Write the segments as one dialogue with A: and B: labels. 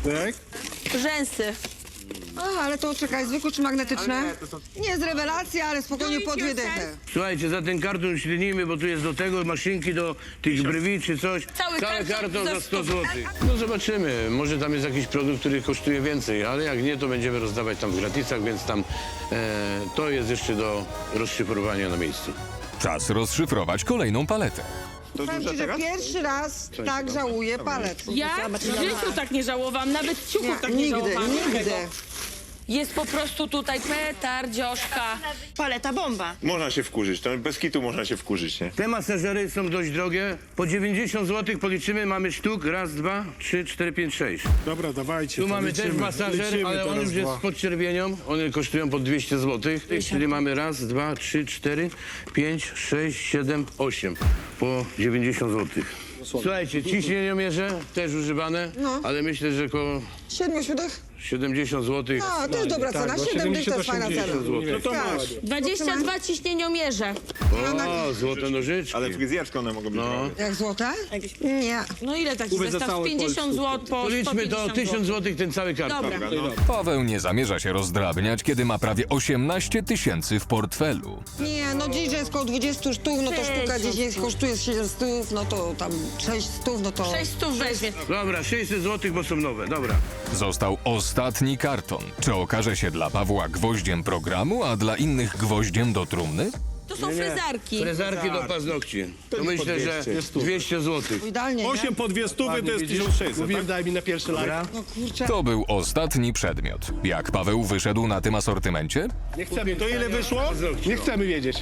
A: Tak?
B: Rzęsy.
C: A, ale to czekaj, zwykłe czy magnetyczne? Nie jest rewelacja, ale spokojnie po dwie dychy.
D: Słuchajcie, za ten karton ślenimy, bo tu jest do tego maszynki, do tych brwi czy coś.
B: Cały karton
D: za
B: za
D: 100
B: 100
D: zł. No zobaczymy, może tam jest jakiś produkt, który kosztuje więcej, ale jak nie, to będziemy rozdawać tam w gratisach, więc tam to jest jeszcze do rozszyfrowania na miejscu.
E: Czas rozszyfrować kolejną paletę.
C: Powiem ci, że pierwszy raz tak żałuję palet.
B: Ja w życiu tak nie żałowałam, nawet ciuchów tak nie
C: Nigdy,
B: żałowałam.
C: nigdy.
B: Jest po prostu tutaj petardzioszka.
F: Paleta bomba.
G: Można się wkurzyć, to bez kitu można się wkurzyć, nie?
D: Te masażery są dość drogie. Po 90 zł policzymy, mamy sztuk. Raz, dwa, 3, 4, 5, 6.
A: Dobra, dawajcie.
D: Tu
A: to
D: mamy
A: liczymy,
D: też masażer,
A: liczymy
D: ale on
A: teraz
D: już jest
A: dwa.
D: z podczerwienią. One kosztują po 200 zł. Czyli mamy raz, dwa, 3, 4, 5, 6, 7, 8. Po 90 zł. Słuchajcie, ciśnieniomierze też używane, ale myślę, że około
C: 7 siódmych?
D: 70 zł.
C: A, to jest dobra cena. 7 dych to jest fajna cena.
A: No to
C: Tak.
A: masz.
B: 22 ciśnieniomierze.
D: O, złote nożyczki.
G: Ale fryzjersko one mogą być.
D: No.
C: Jak złote? Nie.
B: No ile taki zestaw? 50 zł po
D: Policzmy to
B: 150
D: 1000 zł ten cały karton.
B: Dobra.
E: Paweł nie zamierza się rozdrabniać, kiedy ma prawie 18 000 w portfelu.
C: Nie, no dziś jest około 20 sztuk, no to sztuka gdzieś jest, kosztuje 700, no to tam 600, no to...
B: 600 weźmie.
D: Dobra, 600 zł, bo są nowe. Dobra.
E: Został ostatni karton. Czy okaże się dla Pawła gwoździem programu, a dla innych gwoździem do trumny?
B: To są frezarki.
D: Frezarki do paznokci. To myślę, że 200 zł.
C: Idealnie, nie?
A: 8 po 200 to jest 1600. Mówiłem, daj mi na pierwszy live.
C: No kurczę.
E: To był ostatni przedmiot. Jak Paweł wyszedł na tym asortymencie?
A: Nie chcemy. To ile wyszło? Nie chcemy wiedzieć.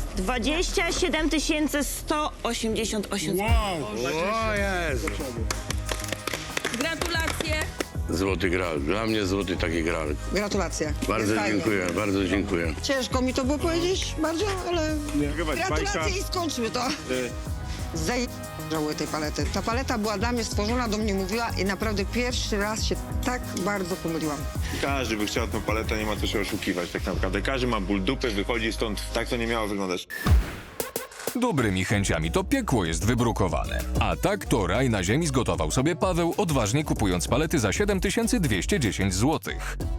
F: 27 188 zł.
A: Wow.
D: O Jezu.
B: Gratulacje.
D: Złoty gral. Dla mnie złoty taki gral.
C: Gratulacje.
D: Bardzo
C: Jest fajnie.
D: dziękuję, bardzo dziękuję.
C: Ciężko mi to było powiedzieć bardzo, ale
G: Nagrywać bajka.
C: gratulacje i skończmy to. Żałuję tej palety. Ta paleta była dla mnie stworzona, do mnie mówiła i naprawdę pierwszy raz się tak bardzo pomyliłam.
G: Każdy by chciał tą paletę, nie ma co się oszukiwać tak naprawdę. Każdy ma ból dupy, wychodzi stąd, tak to nie miało wyglądać.
E: Dobrymi chęciami to piekło jest wybrukowane. A tak to raj na ziemi zgotował sobie Paweł, odważnie kupując palety za 7210 zł.